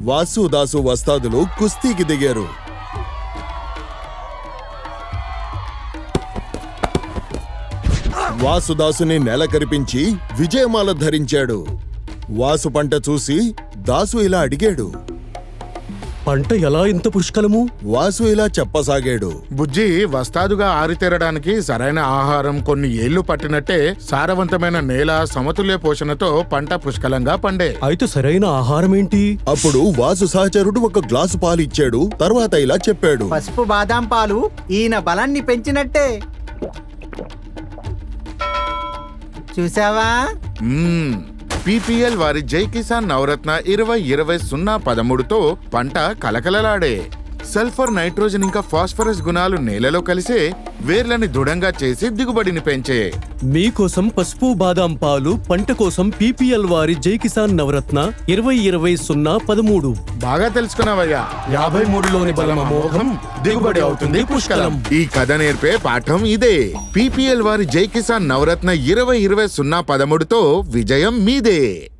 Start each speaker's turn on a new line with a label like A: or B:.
A: వాసు దాసు వస్తాదులు కుస్తీకి దిగారు. వాసుదాసుని నెల కరిపించి విజయమాల ధరించాడు. వాసు పంట చూసి దాసు ఇలా అడిగాడు,
B: పంట ఎలా ఇంత పుష్కలము?
A: వాసు ఇలా చెప్పసాగాడు,
C: బుజ్జి, వస్తాదుగా ఆరితేరడానికి సరైన ఆహారం కొన్ని ఏళ్లు పట్టినట్టే సారవంతమైన నేల, సమతుల్య పోషణతో పంట పుష్కలంగా పండే.
B: అయితే సరైన ఆహారం ఏంటి?
A: అప్పుడు వాసు సహచరుడు ఒక గ్లాసు పాలు ఇచ్చాడు. తర్వాత ఇలా చెప్పాడు,
D: పసుపు బాదాం పాలు ఈయన బలాన్ని పెంచినట్టే. చూసావా?
C: పీపీఎల్ వారి జై కిసాన్ నవరత్న 20-20-0-13తో పంట కలకలలాడే. సల్ఫర్, నైట్రోజన్ ఇంకా ఫాస్ఫరస్ గుణాలు నేలలో కలిసే వేర్లని దృఢంగా చేసి దిగుబడిని పెంచే.
B: మీకోసం పసుపు బాదాం పాలు, పంట కోసం పీపీఎల్ వారి జై కిసాన్ నవరత్న 20-20-0-13.
C: బాగా తెలుసుకున్నావయ్యా.
B: 53లోని బలం అమోఘం, దిగుబడి అవుతుంది పుష్కలం.
C: ఈ కథ నేర్పే పాఠం ఇదే. పీపీఎల్ వారి జై కిసాన్ నవరత్న 20-20-0-13తో విజయం మీదే.